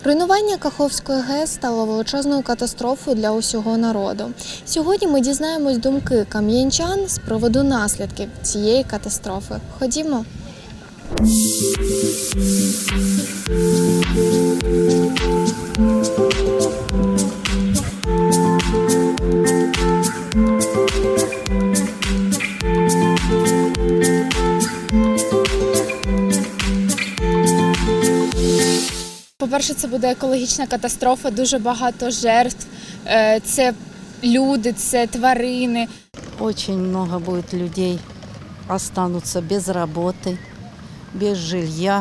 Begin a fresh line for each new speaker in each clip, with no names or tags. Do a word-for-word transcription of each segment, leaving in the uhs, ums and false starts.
Руйнування Каховської ГЕС стало величезною катастрофою для усього народу. Сьогодні ми дізнаємось думки кам'янчан з приводу наслідків цієї катастрофи. Ходімо.
По-перше, це буде екологічна катастрофа, дуже багато жертв. Це люди, це тварини.
Очень много будет людей останутся без работы, без жилья.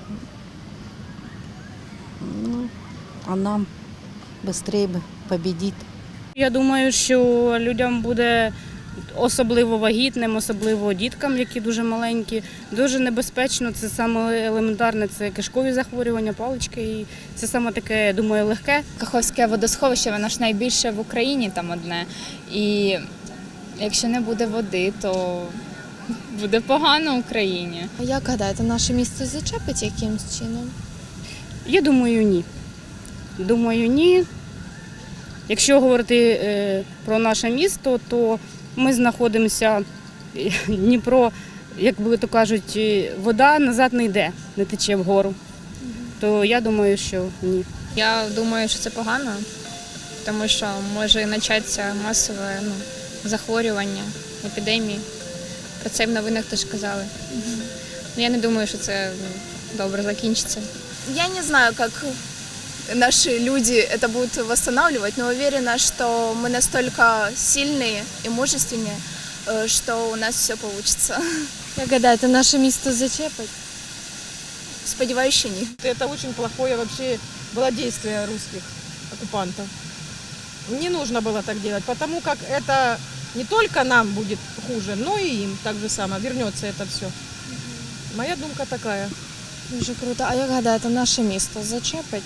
Ну, а нам быстрее бы победить.
Я думаю, що людям буде, особливо вагітним, особливо діткам, які дуже маленькі, дуже небезпечно. Це саме елементарне, це кишкові захворювання, палички. І це саме таке, я думаю, легке.
Каховське водосховище, воно ж найбільше в Україні там одне. І якщо не буде води, то буде погано Україні.
А як гадаєте, наше місто зачепить якимсь чином?
Я думаю, ні. Думаю, ні. Якщо говорити е, про наше місто, то ми знаходимося, Дніпро, як були то кажуть, вода назад не йде, не тече вгору. То я думаю, що ні.
Я думаю, що це погано, тому що може початися масове ну, захворювання, епідемії. Про це в новинах теж казали. Угу. Я не думаю, що це ну, добре закінчиться.
Я не знаю, как наши люди это будут восстанавливать, но уверена, что мы настолько сильные и мужественные, что у нас все получится.
Як гадаєте, наше місто зачепить?
Сподеваюсь, что ні.
Это очень плохое вообще было действие русских оккупантов. Не нужно было так делать, потому как это не только нам будет хуже, но и им так же само. Вернется это все. Моя думка такая.
Дуже круто. А як гадаєте, наше місто зачепить?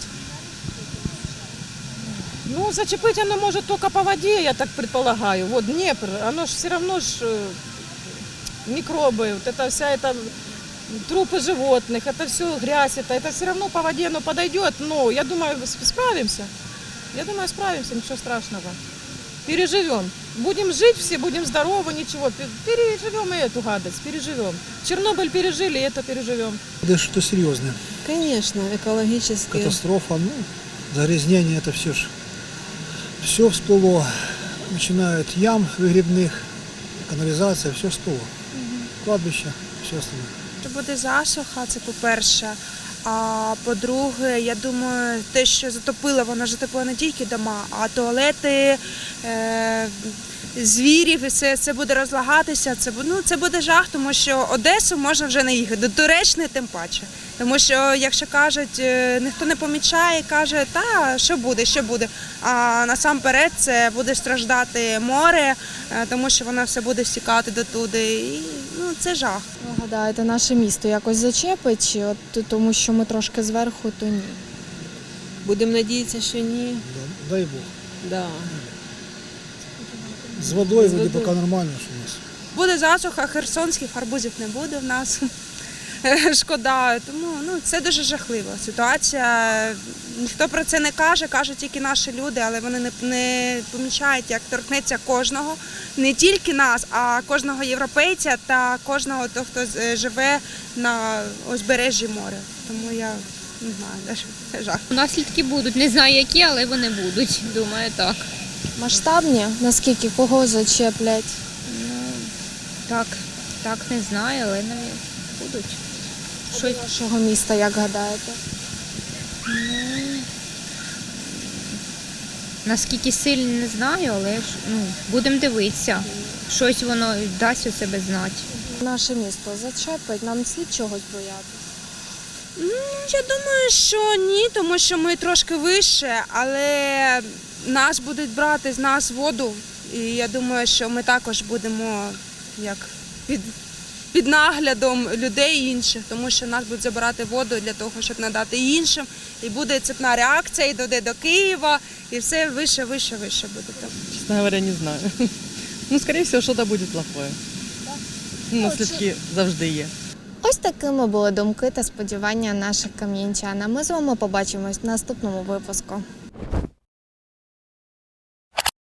Ну, зачепить оно может только по воде, я так предполагаю. Вот Днепр, оно же все равно ж микробы, вот это вся эта трупы животных, это все грязь, это, это все равно по воде оно подойдет. Но я думаю, справимся. Я думаю, справимся, ничего страшного. Переживем. Будем жить все, будем здоровы, ничего. Переживем и эту гадость, переживем. Чернобыль пережили, и это переживем.
Это что-то серьезное.
Конечно, экологические.
Катастрофа, ну, загрязнение, это все ж. Все всплыло, начиная от ям выгребных, канализация, все всплыло. Угу. Кладбище, все остальное.
Буде засуха, це по-перше. А по-друге, я думаю, те, що затопило, воно затопило не тільки дома, а туалети, е- звірів, і все це буде розлагатися. Це, ну, це буде жах, тому що Одесу можна вже не їхати, до Туреччини тим паче. Тому що, якщо кажуть, ніхто не помічає, каже, та, що буде, що буде. А насамперед це буде страждати море, тому що воно все буде стікати дотуди. І, ну, це жах.
Ви гадаєте, наше місто якось зачепить, чи от, тому що ми трошки зверху, то ні?
Будемо надіятися, що ні.
Да, дай Бог.
Да.
З водою вроде поки нормально, що у нас.
Буде засуха, херсонських арбузів не буде в нас. Шкода, тому ну, це дуже жахлива ситуація. Ніхто про це не каже, кажуть тільки наші люди, але вони не, не помічають, як торкнеться кожного, не тільки нас, а кожного європейця та кожного того, хто живе на узбережжі моря. Тому я не знаю, це жах.
Наслідки будуть, не знаю які, але вони будуть, думаю, так.
Масштабні? Наскільки? Кого зачеплять?
Ну, так, так не знаю, але навіть будуть.
Щось нашого міста, як гадаєте?
Ну, наскільки сильно не знаю, але ж, ну, будемо дивитися. Щось воно дасть у себе знати.
Наше місто зачепить, нам слід чогось боятися?
Ну, я думаю, що ні, тому що ми трошки вище, але нас будуть брати з нас воду. І я думаю, що ми також будемо як під... під наглядом людей інших, тому що нас будуть забирати воду для того, щоб надати іншим. І буде цепна реакція, і дойде до Києва, і все вище, вище, вище буде там.
Честно говоря, не знаю. Ну, скорее всего, что-то будет плохое. Наслідки завжди є.
Ось такими були думки та сподівання наших кам'янчан. А ми з вами побачимось в наступному випуску.